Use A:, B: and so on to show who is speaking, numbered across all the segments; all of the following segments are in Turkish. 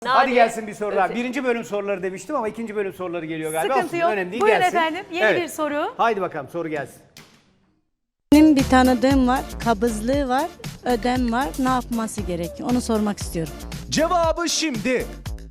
A: Hadi gelsin bir soru daha. Birinci bölüm soruları demiştim ama ikinci bölüm soruları geliyor galiba.
B: Sıkıntı yok.
A: Önemli değil,
B: Buyurun
A: gelsin.
B: efendim. Yeni bir soru.
A: Haydi bakalım soru gelsin.
C: Benim bir tanıdığım var, kabızlığı var, ödem var. Ne yapması gerekiyor? Onu sormak istiyorum.
D: Cevabı şimdi.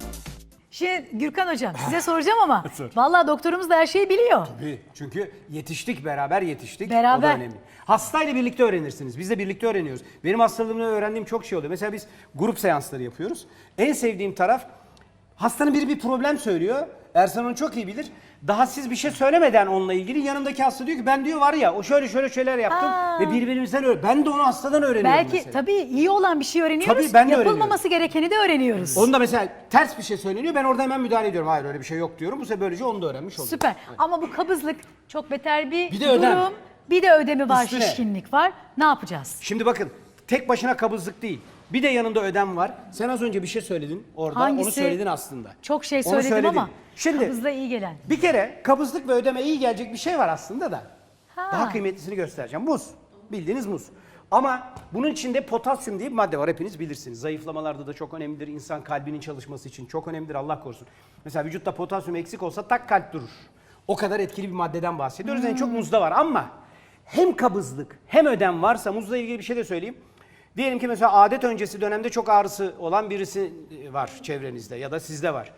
B: Şimdi Gürkan Hocam size soracağım ama vallahi doktorumuz da her şeyi biliyor.
A: Tabii. Çünkü yetiştik, beraber yetiştik.
B: Beraber.
A: O da önemli. Hastayla birlikte öğrenirsiniz. Biz de birlikte öğreniyoruz. Benim hastalığımda öğrendiğim çok şey oluyor. Mesela biz grup seansları yapıyoruz. En sevdiğim taraf, hastanın biri bir problem söylüyor. Ersan onu çok iyi bilir. Daha siz bir şey söylemeden onunla ilgili yanındaki hasta diyor ki ben diyor var ya o şöyle şeyler yaptım ve birbirimizden ben de onu hastadan öğreniyorum
B: Belki
A: mesela.
B: tabii iyi olan bir şey öğreniyoruz.
A: Tabii, ben de
B: Yapılmaması gerekeni de öğreniyoruz.
A: Onda mesela ters bir şey söyleniyor, ben orada hemen müdahale ediyorum. Hayır öyle bir şey yok diyorum. Bu sefer böylece onu da öğrenmiş oluyorum.
B: Süper. Ama bu kabızlık çok beter bir
A: Bir de ödem.
B: durum. Bir de ödemi var,
A: Üstüne.
B: şişkinlik var. Ne yapacağız?
A: Şimdi bakın, tek başına kabızlık değil. Bir de yanında ödem var. Sen az önce bir şey söyledin orada.
B: Hangisi?
A: Onu söyledin aslında.
B: Çok şey
A: Onu
B: söyledim
A: söyledin.
B: ama
A: Şimdi
B: kabızlığa iyi gelen.
A: bir kere kabızlık ve ödeme iyi gelecek bir şey var aslında da.
B: Ha.
A: Daha kıymetlisini göstereceğim. Muz. Bildiğiniz muz. Ama bunun içinde potasyum diye bir madde var, hepiniz bilirsiniz. Zayıflamalarda da çok önemlidir. İnsan kalbinin çalışması için çok önemlidir, Allah korusun. Mesela vücutta potasyum eksik olsa tak kalp durur. O kadar etkili bir maddeden bahsediyoruz. En çok muzda var ama hem kabızlık hem ödem varsa, muzla ilgili bir şey de söyleyeyim. Diyelim ki mesela adet öncesi dönemde çok ağrısı olan birisi var çevrenizde ya da sizde var.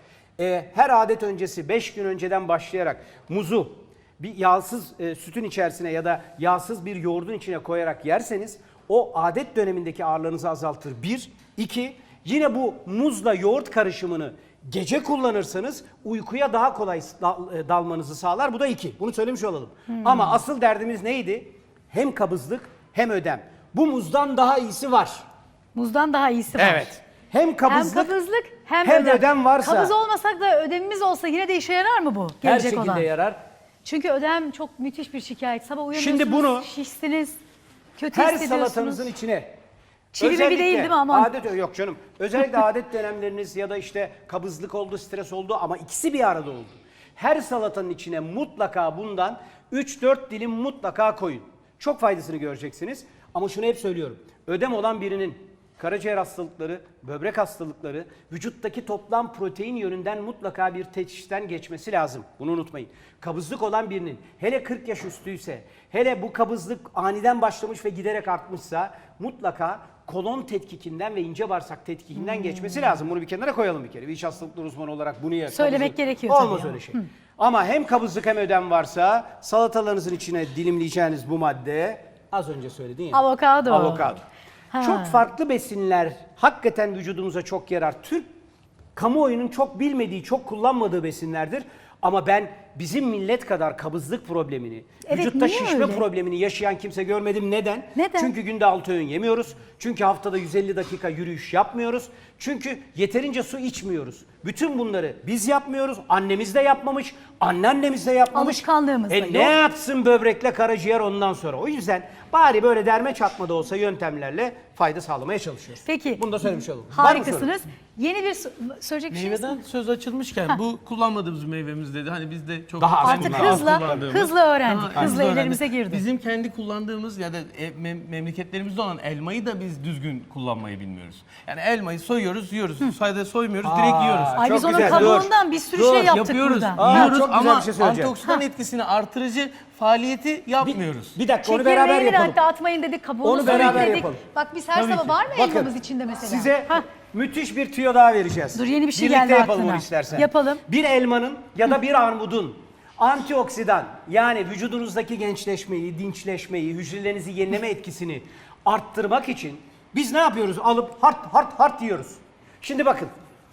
A: Her adet öncesi 5 gün önceden başlayarak muzu bir yağsız sütün içerisine ya da yağsız bir yoğurdun içine koyarak yerseniz o adet dönemindeki ağrılarınızı azaltır. 1, 2, yine bu muzla yoğurt karışımını gece kullanırsanız uykuya daha kolay dalmanızı sağlar. Bu da 2. Bunu söylemiş olalım. Ama asıl derdimiz neydi? Hem kabızlık hem ödem. Bu muzdan daha iyisi var.
B: Muzdan daha iyisi var.
A: Evet. Hem kabızlık,
B: hem kabızlık hem
A: ödem varsa
B: Kabız olmasak da ödemimiz olsa yine de işe yarar mı bu?
A: her
B: Gelecek
A: şekilde
B: olan.
A: yarar.
B: Çünkü ödem çok müthiş bir şikayet. Sabah uyanıyorsunuz,
A: Şimdi bunu
B: şişsiniz, kötü
A: Her
B: hissediyorsunuz.
A: salatanızın içine
B: Çivi bir
A: özellikle
B: değil mi aman?
A: Adet yok canım. Özellikle adet dönemleriniz ya da işte kabızlık oldu, stres oldu ama ikisi bir arada oldu. Her salatanın içine mutlaka bundan 3-4 dilim mutlaka koyun. Çok faydasını göreceksiniz. Ama şunu hep söylüyorum. Ödem olan birinin karaciğer hastalıkları, böbrek hastalıkları, vücuttaki toplam protein yönünden mutlaka bir teşhisten geçmesi lazım. Bunu unutmayın. Kabızlık olan birinin, hele 40 yaş üstüyse, hele bu kabızlık aniden başlamış ve giderek artmışsa mutlaka kolon tetkikinden ve ince bağırsak tetkikinden geçmesi lazım. Bunu bir kenara koyalım bir kere. Bir iç hastalıkları uzmanı olarak bunu
B: Söylemek gerekiyor tabii
A: Olmaz
B: ya.
A: öyle şey. Ama hem kabızlık hem ödem varsa salatalarınızın içine dilimleyeceğiniz bu madde az önce söyledin ya.
B: Avokado.
A: Avokado.
B: Ha.
A: Çok farklı besinler hakikaten vücudumuza çok yarar. Türk kamuoyunun çok bilmediği, çok kullanmadığı besinlerdir. Ama ben bizim millet kadar kabızlık problemini,
B: Evet,
A: vücutta
B: niye
A: şişme
B: öyle?
A: problemini yaşayan kimse görmedim. Neden?
B: Neden?
A: Çünkü günde 6 öğün yemiyoruz. Çünkü haftada 150 dakika yürüyüş yapmıyoruz. Çünkü yeterince su içmiyoruz. Bütün bunları biz yapmıyoruz. Annemiz de yapmamış. Anneannemiz de yapmamış.
B: Alışkanlığımız da
A: Ne
B: yok.
A: yapsın böbrekle karaciğer ondan sonra? O yüzden bari böyle derme çatma da olsa yöntemlerle fayda sağlamaya çalışıyoruz.
B: Peki.
A: Bunu da söylemiş olalım. Var mı sorun?
B: Harikasınız. Yeni bir söyleyecek bir şey
E: Meyveden söz açılmışken bu kullanmadığımız bir meyvemiz dedi. Hani biz de çok
A: Daha az
B: Artık
A: kullanıyoruz.
B: hızla öğrendik.
E: Daha
B: Hızla
E: öğrendik.
B: ellerimize girdi.
E: Bizim kendi kullandığımız ya da memleketlerimizde olan elmayı da biz düzgün kullanmayı bilmiyoruz. Yani elmayı soyuyoruz, yiyoruz. Sayda soymuyoruz, direkt yiyoruz.
B: Ay
A: Çok
B: biz onun
A: güzel,
B: kabuğundan bir sürü şey yaptık
E: Yapıyoruz,
B: burada.
E: yiyoruz
A: çok güzel
E: ama
A: bir şey söyleyeceğim.
E: antioksidan etkisini artırıcı faaliyeti yapmıyoruz.
A: Bir dakika onu beraber
B: Çekirdeğini de
A: yapalım.
B: hatta atmayın dedik, kabuğunu
A: Onu
B: soyun
A: beraber
B: dedik.
A: yapalım.
B: Bak biz her sabah var mı
A: Bakın,
B: elmamız içinde mesela?
A: Size
B: Hah.
A: müthiş bir tüyo daha vereceğiz.
B: Dur, yeni bir şey
A: Birlikte
B: geldi
A: yapalım
B: aklına.
A: onu istersen.
B: Yapalım.
A: Bir elmanın ya da bir armudun antioksidan yani vücudunuzdaki gençleşmeyi, dinçleşmeyi, hücrelerinizi yenileme etkisini arttırmak için biz ne yapıyoruz? Alıp hart yiyoruz. Şimdi bakın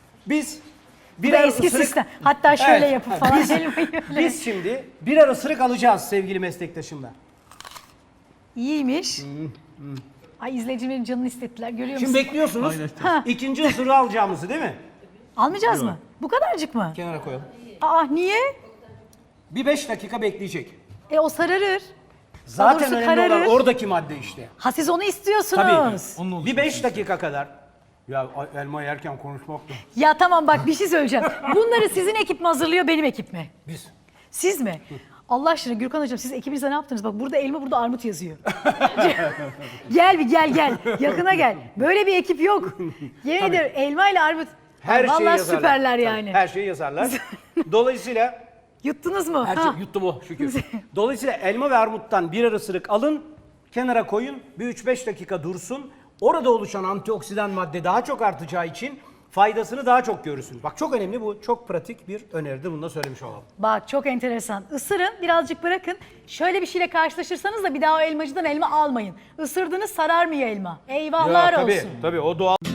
A: biz
B: Bu da
A: birer
B: eski
A: ısırık...
B: sistem. Hatta şöyle
A: Evet.
B: yapıp falan
A: Biz-
B: elmayı öyle.
A: Biz şimdi birer ısırık alacağız sevgili meslektaşımla.
B: İyiymiş. Ay izleyicilerin canını hissettiler, görüyor
A: Şimdi
B: musun?
A: bekliyorsunuz.
B: Ha.
A: İkinci ısırığı alacağımızı değil mi?
B: Almayacağız mı? Bu kadarcık mı?
A: Kenara koyalım.
B: Aa niye?
A: Bir 5 dakika bekleyecek.
B: O sararır.
A: Zaten
B: doğrusu
A: önemli olan
B: kararır.
A: oradaki madde işte.
B: Ha siz onu istiyorsunuz.
A: Tabii.
E: Onun
A: Bir 5 dakika kadar. Ya elma yerken konuşmak da.
B: Ya tamam bak bir şey söyleyeceğim. Bunları sizin ekip mi hazırlıyor, benim ekip mi?
A: Biz.
B: Siz mi? Allah aşkına Gürkan Hocam siz ekibinizde ne yaptınız? Bak burada elma, burada armut yazıyor. Gel bir gel. Yakına gel. Böyle bir ekip yok. Yemin ederim elma ile armut.
A: Her şeyi
B: Vallahi
A: yazarlar.
B: süperler
A: Tabii,
B: yani.
A: her şeyi yazarlar. Dolayısıyla
B: Yuttunuz mu?
A: her
B: Ha.
A: şey yuttum o şükür. Dolayısıyla elma ve armuttan birer ısırık alın, kenara koyun, bir 3-5 dakika dursun. Orada oluşan antioksidan madde daha çok artacağı için faydasını daha çok görürsünüz. Bak çok önemli, bu çok pratik bir öneridir. Bunu da söylemiş olalım.
B: Bak çok enteresan. Isırın, birazcık bırakın. Şöyle bir şeyle karşılaşırsanız da bir daha o elmacıdan elma almayın. Isırdınız, sararmıyor elma. Eyvahlar
A: tabii,
B: olsun.
A: tabii o doğal.